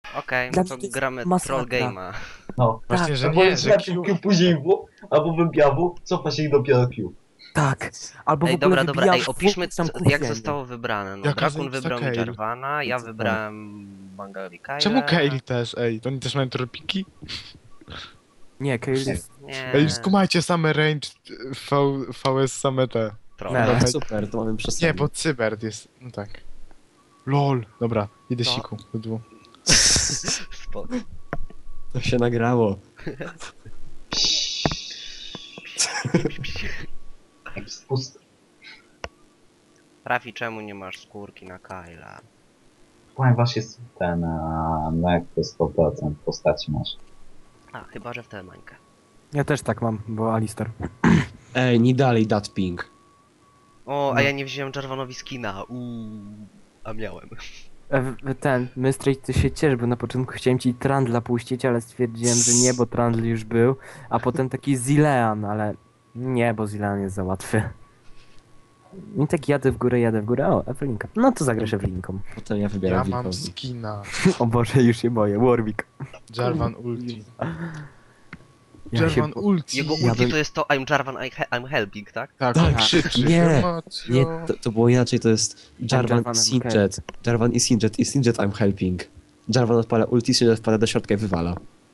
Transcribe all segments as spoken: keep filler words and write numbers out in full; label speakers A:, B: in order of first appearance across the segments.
A: Okej,
B: Dla
A: no to
B: mnie to jest
A: gramy
B: masakra.
A: troll game'a.
C: No.
D: Właśnie, że
C: Albo
D: nie,
C: jest
D: że
C: lepiej
D: Q...
C: Q później W, albo wybija W, cofa się i dopiero Q.
B: Tak. Albo w
A: Ej,
B: ogóle
A: dobra, dobra,
B: wybijasz
A: ej, opiszmy
B: w, tam
A: co, jak
B: kupienie.
A: zostało wybrane. No,
D: Jaka
A: Drakun
D: zajebista
A: wybrał mi
D: Kayle.
A: Jarvana, ja
B: Co
A: wybrałem Bangalika.
D: Czemu Kayle też, ej? To oni też mają tropiki?
B: Nie, Kayle jest...
A: Nie,
D: Ej, skumajcie same range v, VS same te.
A: troll.
B: Nie.
E: A, super, to mamy przesadzę.
D: Nie, bo Cybert jest, no tak. LOL, dobra, idę
A: No.
D: siku, bydło.
A: Spoko.
E: To się nagrało.
C: Jakiś spust.
A: Rafi, czemu nie masz skórki na Kyla?
C: Ponieważ jest ten, a, no jak to sto procent postaci masz.
A: A, chyba, że w tę mańkę.
B: Ja też tak mam, bo Alistar.
E: Ej, nie dalej dat ping.
A: O, a
B: No.
A: ja nie wziąłem Jarvanowi skina. Uuu, a miałem.
B: E, w- ten, Mystrej, ty się ciesz, bo na początku chciałem ci Trandla puścić, ale stwierdziłem, że nie, bo Trandl już był, a potem taki Zilean, ale nie, bo Zilean jest za łatwy. I tak jadę w górę, jadę w górę, o, Ewelinka. No to zagrasz Ewelinką.
E: Potem ja
D: Ja
E: wybieram
D: mam
E: Wilkowi.
D: skina.
B: O Boże, już się boję, Warwick.
D: Jarvan ulti.
B: Ja się
D: Jarvan
B: bo-
D: ulti.
A: Jego
B: Ja
A: ulti
B: bym-
A: to jest to I'm Jarvan, I he I'm helping, tak?
D: Tak,
E: Tak,
D: on krzyczy.
E: nie,
D: Emocjo.
E: Nie, to, to było inaczej, to jest Jarvan
B: Jarvanem
E: i Singed. Jarvan i Singed i Singed I'm helping. Jarvan odpala ulti, Singed wpada do środka i wywala.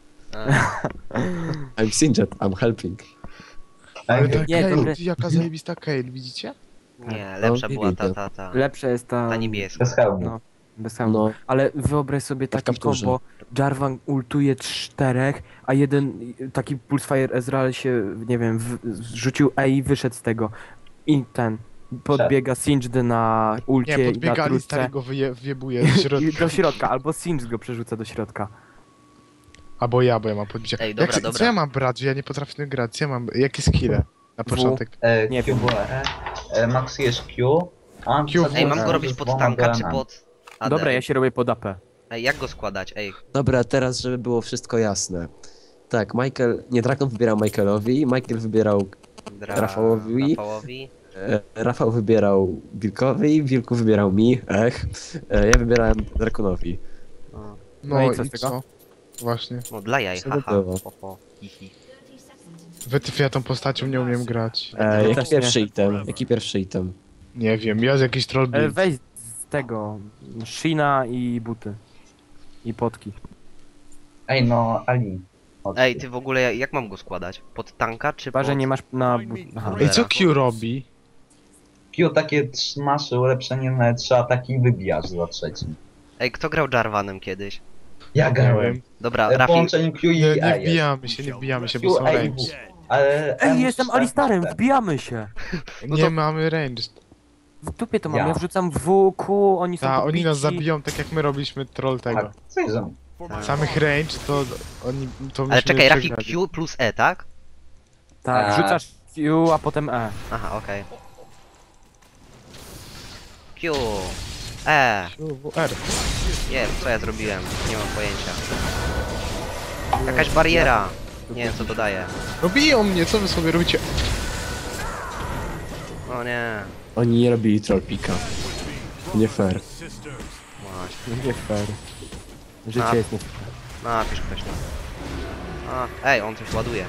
A: A,
E: I'm Singed, I'm helping.
D: Ale
C: Ej,
D: ta
B: Nie,
D: Kayle,
B: dobre.
D: jaka zajebista Kayle, widzicie?
A: nie, lepsza
E: No,
A: była ta,
E: widzę.
A: ta, ta.
B: Lepsza jest ta...
A: Ta niebieska.
C: bez hełmu.
B: No, bez hełmu.
E: No,
B: Ale wyobraź sobie
E: w
B: taki
E: kapturze.
B: kombo, Jarvan ultuje czterech, a jeden taki Pulsefire Ezreal się, nie wiem, w, rzucił E i wyszedł z tego. I ten, podbiega Singed na ulcie
D: Nie,
B: i na
D: podbiegali,
B: trójce
D: stary go wyje, wyjebuje do
B: i
D: środka.
B: do środka, albo Singed go przerzuca do środka.
D: Albo ja, bo ja mam podbicie.
A: Ej, dobra,
D: Jak,
A: dobra.
D: Co ja mam brać? Ja nie potrafię tym grać. Co ja mam? Jakie skille? Na
B: W.
D: początek.
C: E,
B: Nie
C: Q
B: wiem.
C: było E, e, maksujesz Q, a
D: Q
C: co-
A: Ej, mam
C: e,
A: go robić
C: z
A: pod
C: dwoma
A: tanka czy
C: goranami.
A: pod A D?
B: Dobra, ja się robię pod A P.
A: Ej, jak go składać? Ej,
E: Dobra, teraz żeby było wszystko jasne. Tak, Michael, nie, Drakon wybierał Michaelowi, Michael wybierał,
A: dra...
E: Rafałowi?
A: Rafałowi.
E: e, Rafał wybierał Wilkowi, Wilku wybierał mi, ech, e, ja wybierałem Drakonowi.
A: O,
D: No,
B: No i
D: i
B: co
D: co?
B: z tego?
D: Właśnie.
A: no dla jaj,
E: Co to
A: haha.
E: było?
A: Ho, ho, hi, hi.
D: Wytyw, ja tą postacią nie umiem grać.
E: E,
B: Ja
E: jaki
B: też nie.
E: pierwszy item? Jaki pierwszy item?
D: Nie wiem, ja z jakiś troll
B: E,
D: build.
B: weź z tego, Shina i buty. I potki.
C: Ej, no, Ali. chodź
A: Ej,
C: tu.
A: ty w ogóle, jak mam go składać? Pod tanka czy
B: Chyba,
A: pod...
B: że nie masz na... bu- Aha.
D: Ej, co Q robi?
C: Q takie trz- masz ulepszenie na trzy ataki i wybijasz za trzecim.
A: Ej, kto grał Jarvanem kiedyś?
C: Ja
D: Nie
C: grałem.
D: wiem.
A: Dobra,
C: E,
A: Rafi...
C: Połączenie Q i
D: Nie,
C: E
D: nie
C: jest.
D: wbijamy się, nie wbijamy się, bo
C: Q,
D: są
C: E i
D: range.
C: W. Ale
B: Ej,
C: M
B: jestem
C: cztery
B: Alistarem,
C: na T.
B: wbijamy się!
A: No
D: Nie
A: to-
D: mamy range.
B: W dupie to mam,
C: Ja.
B: ja wrzucam W, Q, oni są
D: Ta, oni
B: podbici.
D: nas zabiją tak jak my robiliśmy troll tego.
C: Tak, co jest za-
D: Samych range to oni to
A: Ale
D: myśmy
A: czekaj, Rafi
D: przegrali.
A: Q plus E, tak?
B: Tak,
C: A.
B: rzucasz Q, a potem E.
A: Aha, okej. Q... E...
D: Q, R.
A: Nie wiem, co ja zrobiłem, nie mam pojęcia. Jakaś bariera. Nie wiem, co to daje.
D: No biją mnie, co wy sobie robicie?
A: O nie,
E: Oni nie robili trollpika. Nie fair.
A: właśnie.
B: Nie fair. Życie
A: A.
B: jest nie
A: Napisz ktoś tam. A, ej, on coś ładuje.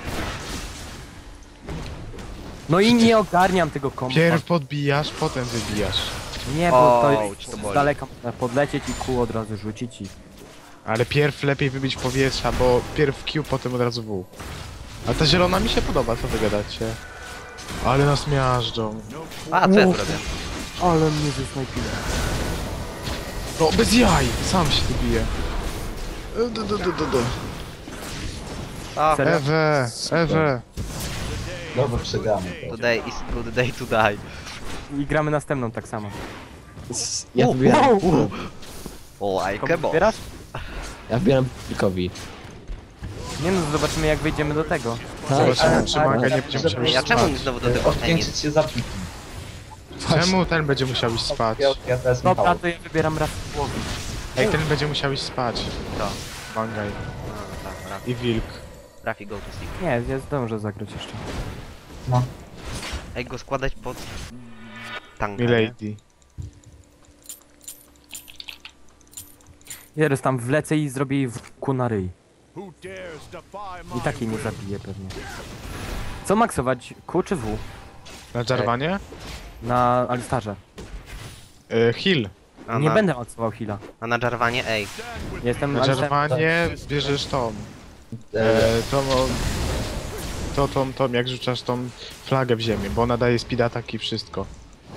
B: No i nie ogarniam tego kompa.
D: Pierw podbijasz, potem wybijasz.
B: Nie, bo to
A: Ouch,
B: jest
A: to
B: z
A: boli.
B: daleka można podlecieć i Q od razu rzucić i...
D: Ale pierw lepiej wybić powietrza, bo pierw Q, potem od razu W. A ta zielona mi się podoba, co wy gadacie? Ale nas miażdżą.
A: A, co ja tu robię?
B: Ale mnie zesnajpiło.
D: No, bez jaj! Sam się tu bije. E, du, du, du, du, du.
A: A,
B: Serio?
D: Ewe, Ewe.
C: Dobra, przegramy to.
A: today is good day to die.
B: I gramy następną tak samo.
E: Ja
A: U,
E: wybieram,
A: O, like a
B: Komu
A: boss.
B: wybierasz?
E: ja wybieram Wilkowi.
B: Nie no, zobaczymy jak wyjdziemy do tego.
D: Zobaczymy,
C: ale-
D: czy
C: ale-
D: maga nie
C: ale-
D: będzie
C: żeby-
D: musiał
A: Ej,
D: iść
A: a czemu
D: spać.
A: znowu do tego... Ej, nie.
C: Odpięczyć się za piki.
D: Czemu ten będzie musiał iść spać?
C: Ja, ja teraz
B: Dobra,
C: Michał.
B: to ja wybieram raz w głowie.
D: Ej, ten będzie musiał iść spać.
A: To.
D: Mangaj.
A: A, tak, Rafi,
D: I wilk.
A: Rafi go to sleep.
B: Nie, ja zdążę zagrać jeszcze.
C: No.
A: Ej, go składać pod... Tanka, nie?
D: Milady.
B: Teraz tam wlecę i zrobię jej w ku na ryj.
F: Who dares defy
B: I
F: my
B: tak jej nie
F: will?
B: zabiję pewnie. Co maksować? Q czy W?
D: Na Jarvanie?
B: Na Alistarze.
D: E, heal.
A: A
B: Nie
A: na,
B: będę maksował heala.
A: a na Jarvanie, ej.
B: Jestem
D: Na
B: Alistarem.
D: Jarvanie bierzesz tą.
C: E,
D: E, tą, o, to, tą, tą, jak rzucasz tą flagę w ziemię, bo ona daje speed attack i wszystko.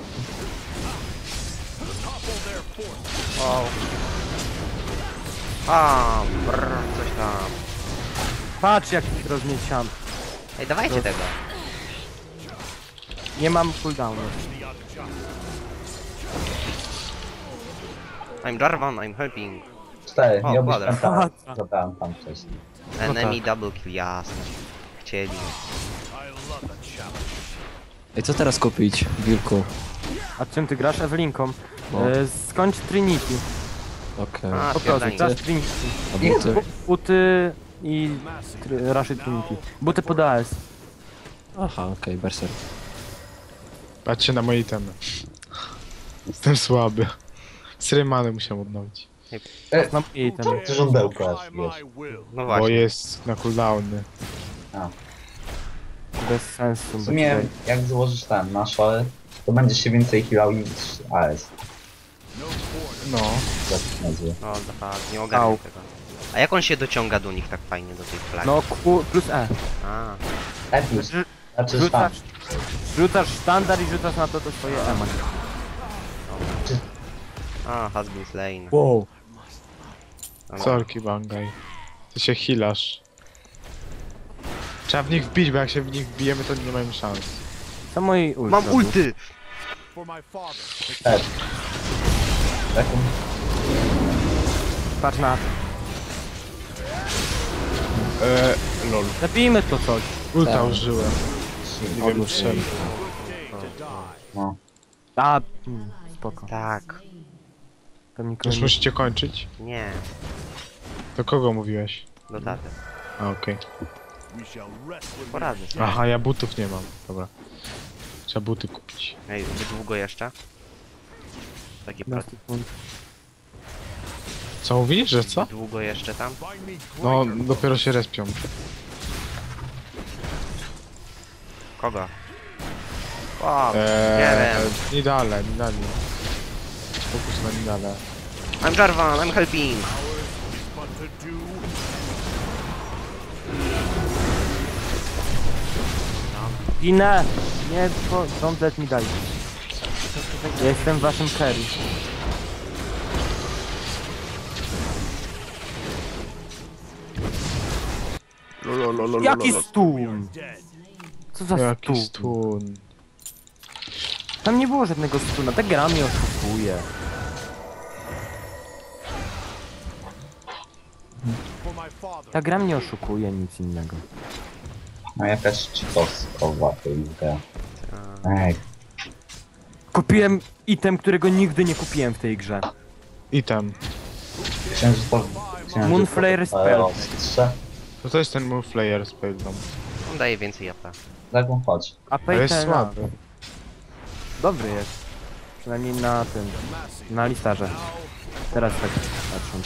A: Wow. A, brr, coś tam.
B: Patrz jak ich rozmieciam.
A: Ej, dawajcie tego.
B: Nie mam cooldownu.
A: I'm Jarvan, I'm helping.
C: cztery,
A: O,
C: miał być
A: kwadrat.
C: pentagram. Zabrałem tam wcześniej.
A: Enemy double kill, jasne. Chcieli.
E: Ej, co teraz kupić, Wilku?
B: A czym ty grasz? Ewelinką.
E: No.
B: E, skończ Trinity.
E: Okej.
A: A,
B: Po prostu,
A: spierdolnik.
B: grasz Trinity.
E: A buty?
B: Buty i tr- Rush Trinity. Buty pod A S.
E: Aha, okej, berser.
D: Patrzcie na moje itemy. Jestem słaby. Srymany musiałem odnowić.
B: Znam jej ten.
C: Ty żądełko aż, wiesz.
A: No
D: Bo
A: właśnie.
D: jest na cooldowny.
B: Bez sensu.
C: W sumie, jak złożysz ten na szale, to będzie się więcej healał niż A S.
D: No.
C: Tak się nazywa.
A: No, tak, nie ogarniam
B: Au.
A: tego. A jak on się dociąga do nich tak fajnie, do tej flagi?
B: No Q plus E.
A: A,
C: E plus,
B: Rzu-
C: znaczy tam.
B: Rzucasz, rzucasz sztandar i rzucasz na to to swoje E.
A: a, has been slain.
B: Wow.
A: Dobra.
D: Sorki, Bangaj. Ty się healasz. Trzeba w nich wbić, bo jak się w nich wbijemy, to nie mamy szans.
B: Co moi ulti?
A: Mam ulty!
F: For my father.
C: E. Taką
B: Patrz na.
D: Eee, lol.
B: Zabijmy to coś.
D: Ulta
E: Tak.
D: użyłem. Nie wiem czemu.
C: no.
B: A, hmm, spoko.
A: Tak.
B: Tam nikogo
D: Już
B: nie...
D: musicie kończyć?
A: Nie,
D: Do kogo mówiłeś?
A: do taty.
D: A, okej.
F: We shall rest with
A: Poradzę sobie.
D: Aha, ja butów nie mam. Dobra. Trzeba buty kupić.
A: Ej, wy długo jeszcze? Taki pro...
B: Na sekund.
D: Co mówisz, że co?
A: Długo jeszcze tam?
F: Find me
D: No,
F: greater.
D: dopiero się respią.
A: Kogo? Wow, nie
D: Eee,
A: wiem.
D: Nidale, Nidale. Fokus na Nidale.
A: I'm Jarvan, I'm helping!
F: But to do
B: Ginę! Nie, po, don't let me die. Jestem waszym carry. Jaki stun?
F: dead.
B: Co za
D: Jaki
B: stun?
D: stun.
B: Tam nie było żadnego stuna, ta gra mnie oszukuje.
F: For my father.
B: Ta gra mnie oszukuje, nic innego.
C: No jakaś cheatowskowa to jest gra. Ej,
B: Kupiłem item, którego nigdy nie kupiłem w tej grze.
D: Item.
C: księżycowy...
B: Moonflare spell.
C: Ostrze.
D: No to jest ten Move Player z Payload.
A: On daje więcej A P.
C: Dragon, chodź.
B: A
D: Ale jest
B: Paytena
D: słaby.
B: dobry jest. Przynajmniej na tym, na listarze. Teraz tak patrząc.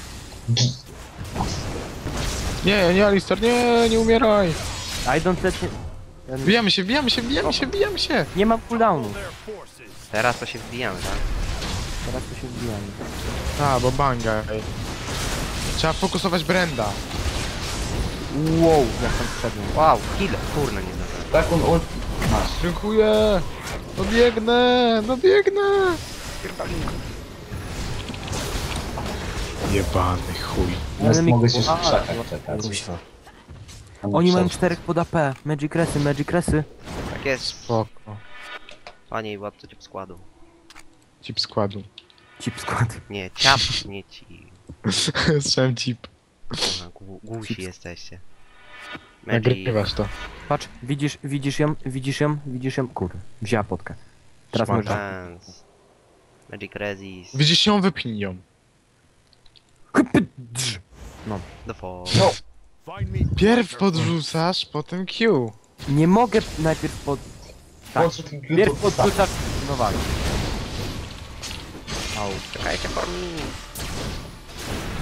D: Nie, nie, Alistar, nie, nie umieraj!
B: I don't let me... Ja
D: Wbijamy się, wbijamy się, wbijamy się, wbijamy się!
B: nie mam cooldownu.
F: Their forces.
A: Teraz to się wbijamy, tak?
B: Teraz to się wbijamy.
D: A, bo Bangaj. Trzeba fokusować Brenda.
B: Wow, jak tam wszedłem.
A: Wow, kill! Kurna, nie zdążyłem.
C: Dragon ult... Masz.
D: Dziękuję! No biegnę, no biegnę! Jebany chuj.
C: Teraz
B: mi-
C: mogę się w
B: A,
C: krzakach
B: no,
C: czekać.
E: Kuźwa.
C: Tam
B: Oni mają
C: przed-
B: czterech pod A P. Magic Resy, Magic Resy.
A: Tak jest.
D: Spoko.
A: Panie i władco ciep składu.
D: Cip składu.
B: Chip skład.
A: Nie, ciap, nie ci.
D: Słyszałem cip.
A: Kurna, gu- Głusi jesteście. Magic.
D: Nagrywasz to.
B: Patrz, widzisz, widzisz ją, widzisz ją, widzisz ją. Kurde, wzięła potkę. Teraz
D: Szmata.
B: może...
A: Chance. Magic Resist.
D: Widzisz ją, wypnij ją.
A: The fall.
C: No,
F: Find me
D: Pierw podrzucasz, potem Q.
B: Nie mogę najpierw pod... Tak.
C: po co ty
B: Pierw podrzucasz... No walcz.
A: Czekajcie for me.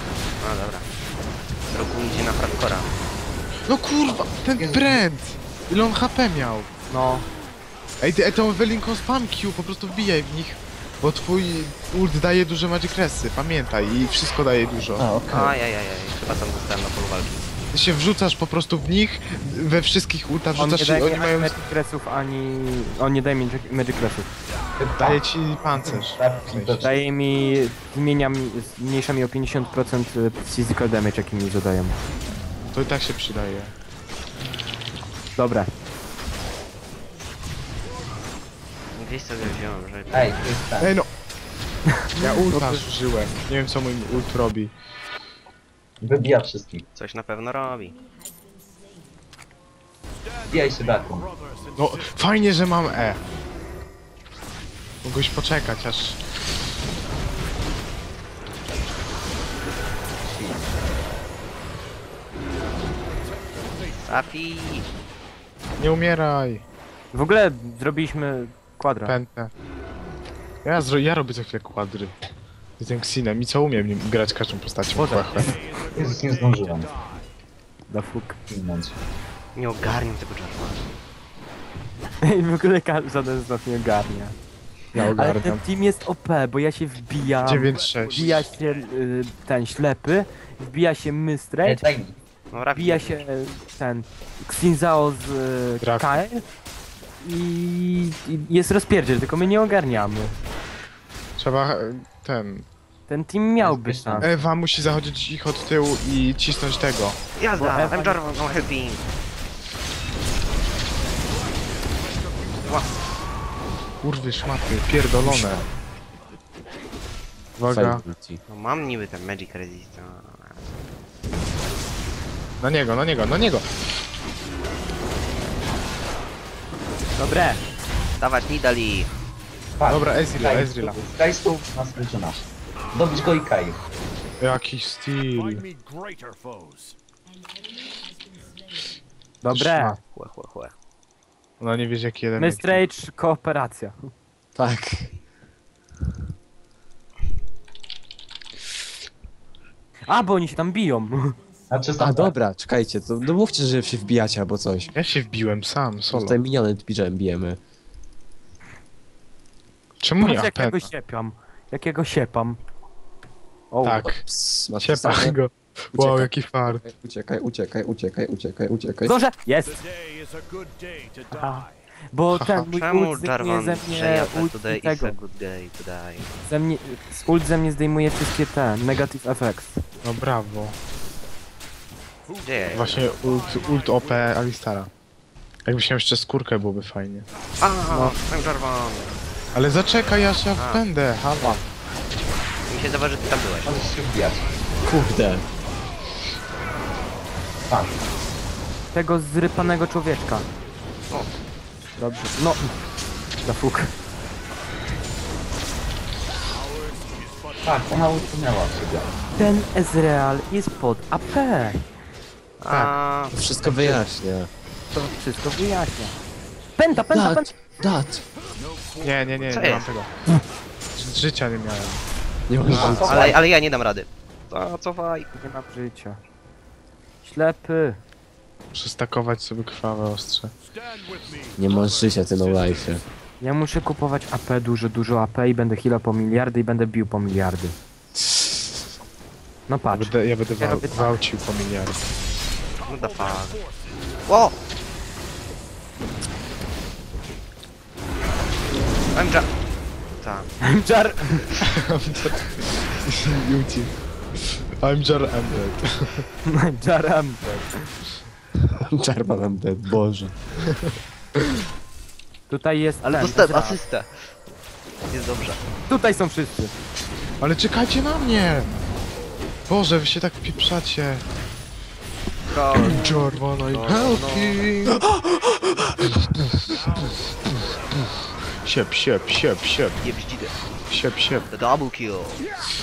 A: No dobra. Roku idzie na hardcora.
D: No kurwa, ten Brand! Ile on H P miał?
B: No,
D: Ej, ty, ej, tą Ewelinką spam Q, po prostu wbijaj w nich. Bo twój ult daje duże magic resy, pamiętaj, i wszystko daje dużo.
C: A, okej.
A: Ajajajaj, chyba tam dostałem na polu walki.
D: Ty się wrzucasz po prostu w nich, we wszystkich ultach
B: on nie
D: wrzucasz i
B: daje
D: oni
B: mi
D: mają...
B: ani Magic Resów, ani... On nie daje mi Magic- Magic Resów.
D: Daje ci pancerz.
C: Tak,
D: W sensie.
C: to-
B: Daje mi... Zmienia mi... Zmniejsza mi o pięćdziesiąt procent physical damage, jaki mi zadają.
D: To i tak się przydaje.
B: Dobra.
A: Gdzieś sobie wziąłem, że...
C: Ej, to jest ten.
D: Ej no! Ja ulta użyłem. Nie wiem co mój ult robi.
C: Wybija wszystkich.
A: Coś na pewno robi.
C: Wbijaj się daką.
F: brothers and
D: No, fajnie, że mam E. Mogłeś poczekać aż...
A: Safi!
D: Nie umieraj!
B: W ogóle zrobiliśmy kwadra.
D: Pętę. Ja, zro... ja robię co chwilę kwadry. Jestem Xinem i co umiem nim grać każdą postacią.
B: Boże.
D: Chłe, chłe.
C: Jezus, nie zdążyłem.
B: Da fuk.
C: Minąć.
A: Nie ogarniam tego Jarvana.
B: I w ogóle ka- żaden z nas nie ogarnia.
D: Ja
B: Ale ten
D: ogarniam.
B: team jest O P, bo ja się wbijam...
D: dziewięć sześć.
B: Wbija się y, ten ślepy, wbija się
C: Ej,
B: Mystrej,
C: daj mi.
A: No Rafi.
B: wbija się y, ten Xinzao z y,
D: Draft.
B: Kael i, i jest rozpierdziel, tylko my nie ogarniamy.
D: Trzeba e, ten...
B: Ten team miałby
C: Jest
B: szansę.
D: Ewa musi zachodzić ich od tyłu i cisnąć tego.
A: Jazda!
B: Bo Ewa-
A: I'm Jarvan, no helping!
D: Kurwy szmaty, pierdolone. Uwaga.
E: Fajnie ulti.
A: No mam niby ten Magic Resist. no.
D: Na niego, na niego, na niego!
B: Dobre.
A: Dawać Nidali!
C: Patrz,
D: Dobra, Ezreal,
C: Sky
D: Ezreala.
C: stóp- Sky stóp nas wyczyna. Dobić go i Kai.
D: Jaki styl.
F: find me greater foes.
B: Dobre.
A: Chłe, chłe, chłe.
D: Ona nie wie jaki jeden.
B: Mystrage, kooperacja.
E: Tak.
B: A, bo oni się tam biją.
C: Znaczy,
E: A dobra, czekajcie, to no mówcie, że się wbijacie albo coś.
D: Ja się wbiłem sam, solo.
E: Tutaj miniony bijemy, bijemy.
D: Czemu nie
B: Patrz
D: A P?
B: jakiego siepam. Jakiego siepam. O,
D: Tak,
E: Ps, masz
D: ciepa
E: pisane?
D: go. Wow,
E: Uciekaj.
D: jaki fart.
E: Uciekaj, uciekaj, uciekaj, uciekaj, uciekaj.
B: Zdążę! Jest!
F: Today is a good day to
B: Aha.
F: die.
B: Bo
D: Haha.
B: ten mój
A: Czemu
B: ult zdejmuje
A: Jarvan
B: ze mnie
A: przejada
B: ult
A: today
B: i tego.
A: is a good day to die?
B: Ze mnie, z ult ze mnie zdejmuje wszystkie te negative effects.
D: No brawo.
A: Gdzie ja jestem?
D: Właśnie ult, ult O P Alistara. Jakbyś miał jeszcze skórkę, byłoby fajnie.
A: A, I'm Jarvan!
D: Ale zaczekaj, aż ja
A: A.
D: będę, hała.
A: Mi się zdawa, że ty tam byłeś.
C: Możesz się wbijać.
E: Kurde.
C: Patrz.
B: Tego zrypanego człowieczka.
A: O.
B: Dobrze. No. Da fuk.
C: Tak, ona usunęła siebie.
B: Ten Ezreal jest pod A P.
A: A,
E: To wszystko wyjaśnia.
B: To wszystko wyjaśnia. Pęta, pęta, pęta.
E: Dat, dat.
D: Nie, nie, nie,
A: Co
D: nie mam
A: jest?
D: tego. Ży- Życia nie miałem.
E: Nie można.
C: A,
A: ale, ale ja nie dam rady. Co, cofaj.
B: Nie mam życia. Ślepy.
D: Przestakować sobie krwawe ostrze.
F: Stand with me.
E: Nie masz życia, ty no life.
B: Ja muszę kupować A P, dużo, dużo A P i będę healał po miliardy i będę bił po miliardy. No
D: Ja
B: patrz.
D: będę, ja będę
B: Ja
D: wał,
B: robię tak.
D: gwałcił po miliardy.
A: No da fuck. O! I'm Jar... Tak.
B: Jar...
D: Beauty. I'm Jar Embedded.
B: Jaram.
E: Czerpa nam dead, boże.
B: Tutaj jest... Ale
A: Dostałem asystę. Jest dobrze.
B: tutaj są wszyscy.
D: Ale czekajcie na mnie! Boże, wy się tak pieprzacie.
A: Go.
D: Jarvan, I'm
A: No,
D: helping! Siep, siep, siep, siep,
A: Je bździdę.
D: siep, siep.
A: The double kill.